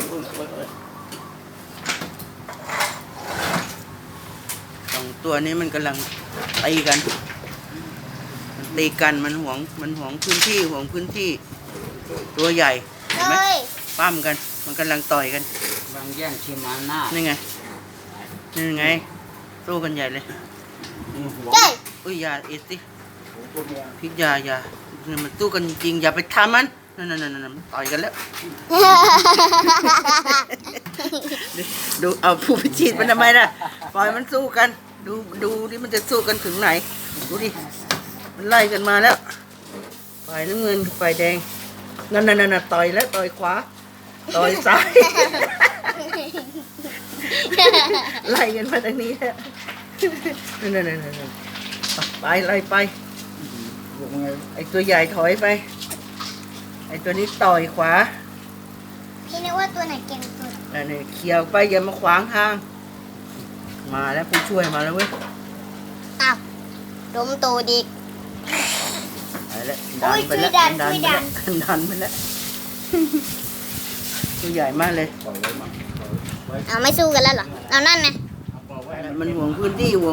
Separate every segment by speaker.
Speaker 1: สองตัวนี้มันกำลังตีกันมันหวงพื้นที่ตัวใหญ่เห็นไหมปั้มกันมันกำลังต่อยกัน
Speaker 2: บางแย่งชิมาหน้า
Speaker 1: นี่ไงสู้กันใหญ่เลยอุ้ยอย่าเอ็ดสิพิษยามันสู้กันจริงอย่าไปทำมันนั่นต่อยกันแล้วดูเอาผู้พิชิตมันทำไมล่ะปล่อยมันสู้กันดูดิมันจะสู้กันถึงไหนดูดิมันไล่กันมาแล้วฝ่ายน้ำเงินฝ่ายแดงนั่นต่อยแล้วต่อยขวาต่อยซ้ายไล่กันมาทางนี้แล้วนั่นไปไล่ไปไอตัวใหญ่ถอยไปไอตัวนี้ต่อยขวา
Speaker 3: พี่นึกว่าตัวไหนเก่งสุด
Speaker 1: นี่เขี่ยวไปอย่ามาขวางทางมาแล้วผู้ช่วยมาแล้วเว้ย
Speaker 3: อ้าวล้มตัวดิก
Speaker 1: ไปแล้วดันไปแล้วตัวใหญ่มากเลย
Speaker 3: เอาไม่สู้กันแล้วเหรอเอานั่นไง
Speaker 1: มันห่วงพื้นที่
Speaker 2: มา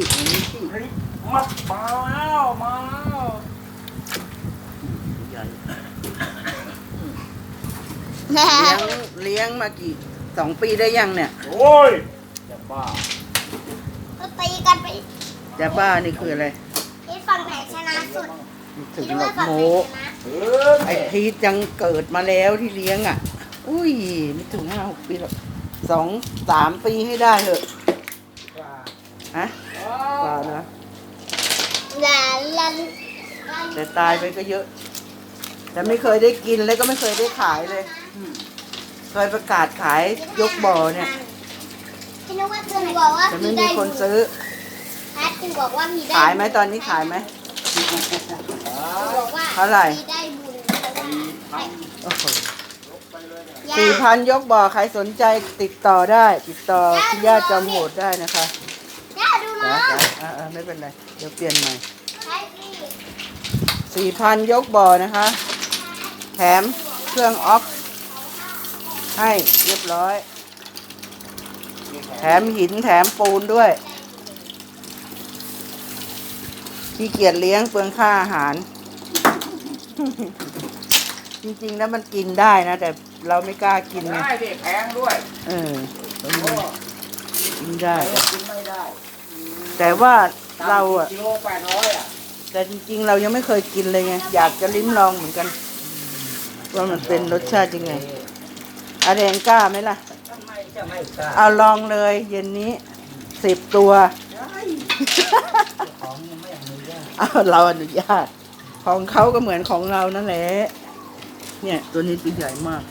Speaker 2: แล้ว
Speaker 1: ใหญ่เลี้ยงมากี่2 ปีได้ยังเนี่ย
Speaker 2: โอ้ยจะบ้า
Speaker 3: ก็ตีกันไป
Speaker 1: จะบ้านี่คืออะไร
Speaker 3: ที่ฝั่งไหนชนะสุด
Speaker 1: ถึงหลอกโมไอพีทยังเกิดมาแล้วที่เลี้ยงอ่ะอุ้ยไม่ถึง5-6 ปีหรอก2-3 ปีให้ได้เถอะฮะว่านะแต่ตายไปก็เยอะแต่ไม่เคยได้กินเลยก็ไม่เคยได้ขายเลยเคยประกาศขายยกบ่อเนี่ยแต่ไม่มีคนซื้อขายไหมตอนนี้ขายไหมเท่าไหร่4,000ยกบ่อใครสนใจติดต่อได้ติดต่อคุณย่าจอมโหดได้นะคะไม่เป็นไรเดี๋ยวเปลี่ยนใหม่4,000ยกบ่อนะคะแถมเครื่องออฟให้เรียบร้อยแถมหินแถมปูนด้วยขี้เกียจเลี้ยงเปลืองค่าอาหารจริงๆแล้วมันกินได้นะแต่เราไม่กล้ากินไง
Speaker 2: ได้ดิแพงด้วย
Speaker 1: กินได้แต่ว่าเราอะ
Speaker 2: กิโล800อ่ะ
Speaker 1: แต่จริงๆเรายังไม่เคยกินเลยไงอยากจะลิ้มลองเหมือนกันว่ามันเป็นรสชาติยังไงอาแดงกล้าไหมล่ะเอาลองเลยเย็นนี้10 ตัวเอาเราอนุญาตของเขาก็เหมือนของเรานั่นแหละเนี่ยตัวนี้ตัวใหญ่มาก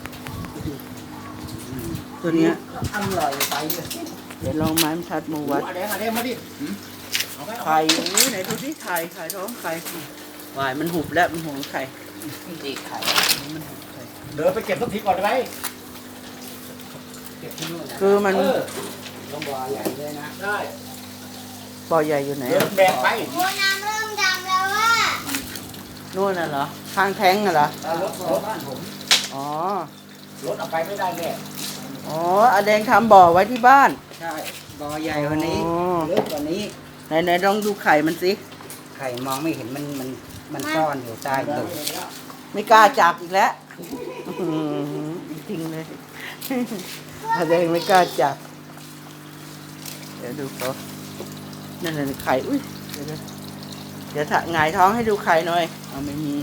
Speaker 1: ตัวนี้
Speaker 2: อร่อยไป
Speaker 1: เดี๋ยวลองไม้ชัดมูวัด
Speaker 2: มาดิ
Speaker 1: ไข่ไหนดูที่ไข่ท้องไข่วายมันหุบแล้วมันห่วงไข่
Speaker 2: ดีไข่
Speaker 1: มันหุบไข่
Speaker 2: เดินไปเก็บทุกทีก่อนได้ไหมเก็บที่นู่น
Speaker 1: คือมัน
Speaker 2: ต้องบ่อใหญ่เลยนะได้
Speaker 1: บ่อใหญ่อยู่ไหน
Speaker 2: แบกไป
Speaker 3: โอ้น้ำเริ่มดำแล้วว่า
Speaker 1: นู่นน่ะเหรอข้างแท้งน่ะเหรอ
Speaker 2: รถบ้านผม
Speaker 1: อ๋อ
Speaker 2: รถเอาไปไม่ได้แน่
Speaker 1: อ๋ออาแดงทำบ่อไว้ที่บ้าน
Speaker 2: ใช่บ่อใหญ่กว่านี้เล็กกว่านี้
Speaker 1: ไหนลองดูไข่มันสิ
Speaker 2: ไข่มองไม่เห็นมันซ่อนอยู่ใต้ตึก
Speaker 1: ไม่กล้าจับอีกแล้วจริงเลยอาแดงไม่กล้าจับเดี๋ยวดูเขานั่นไข่อุ้ยเดี๋ยวถ้าหงายท้องให้ดูไข่หน่อยเอาไม่มี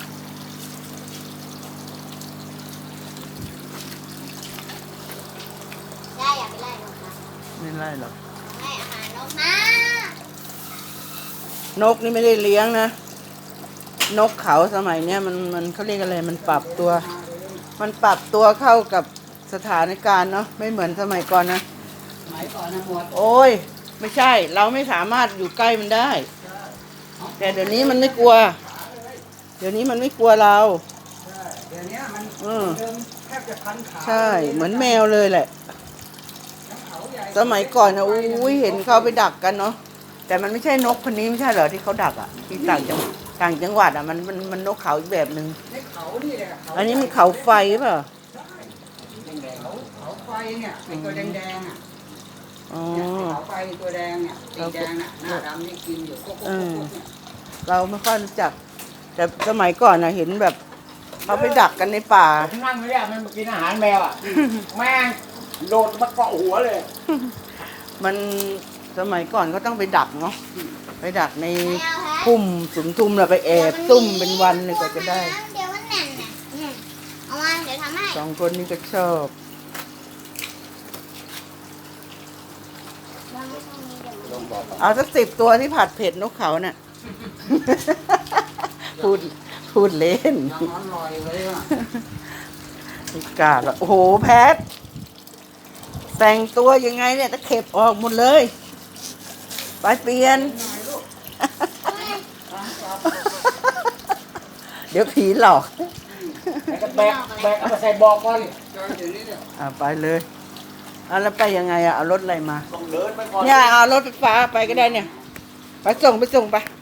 Speaker 3: ได้อย่าไปไล่หรอกค่ะ
Speaker 1: ไม่ไล่หรอก
Speaker 3: ให้อาหารนกมาน
Speaker 1: กนี่ไม่ได้เลี้ยงนะนกเขาสมัยเนี้ยมันเขาเรียกอะไรมันปรับตัวเข้ากับสถานการณ์เนาะไม่เหมือนสมัยก่อนนะ
Speaker 2: สมัยก่อนนะหมด
Speaker 1: โอ้ยไม่ใช่เราไม่สามารถอยู่ใกล้มันได้แต่เดี๋ยวนี้มันไม่กลัวเราเดี๋ยวนี้มัน
Speaker 2: แทบจะพันขา
Speaker 1: ใช่เหมือนแมวเลยแหละสมัยก่อนนะอุ้ยเห็นเขาไปดักกันเนาะแต่มันไม่ใช่นกคนนี้ไม่ใช่เหรอที่เขาดักอ่ะที่ต่างจังหวัดอ่ะมันนกเขาอีกแบบนึงอันนี้มันเขาไฟป่ะ
Speaker 2: แดงๆเขาไฟเนี่ยไอ้ตัวแดงๆอ่ะ
Speaker 1: อ๋อ
Speaker 2: เนี่ยเขาไฟตัวแดงเนี่ยสีแดงน่ะหน้าดำนี่กินอยู่กุ๊กเนี่ย
Speaker 1: เราไม่ค่อยรู้จัก แต่สมัยก่อนนะเห็นแบบเขาไปดักกันในป่า
Speaker 4: ผมนั่งไม่ได้มันมากินอาหารแมวอ่ะ แม่งโดดมาเกาะหัวเลย
Speaker 1: มันสมัยก่อนก็ต้องไปดักเนาะไปดักในพุ่มสุมทุมแล้วไปแอบซุ่มเป็นวันเลยกว่าจะได้
Speaker 3: เดี๋ยวมันแน่นน่ะเอามาเดี๋ยวทำให้
Speaker 1: สองคนนี้ก็ชอบ
Speaker 3: เราไม่ต้องมีเดี๋ยวมัน
Speaker 4: ลงบอก
Speaker 1: เอาสัก10 ตัวที่ผัดเผ็ดนกเขาน่ะ พูดเล่น
Speaker 2: ยังอร่อยเลยว่ะ
Speaker 1: ไม่กล้าหรอกโอ้โหแพทแต่งตัวยังไงเนี่ยตะเข็บออกหมดเลย ไปเปลี่ยน เดี๋ยวผีหลอก
Speaker 4: แล้วก็แบกเอาไปใส่บอกก่อน
Speaker 2: จอยเดี๋ยวนี้เนี่ย
Speaker 1: ไปเลยแล้วไปยังไงเอารถอะไรมา
Speaker 4: ต้องเดินไปก่อน
Speaker 1: เนี่ยเอารถไฟฟ้าไปก็ได้เนี่ย ไปส่งไป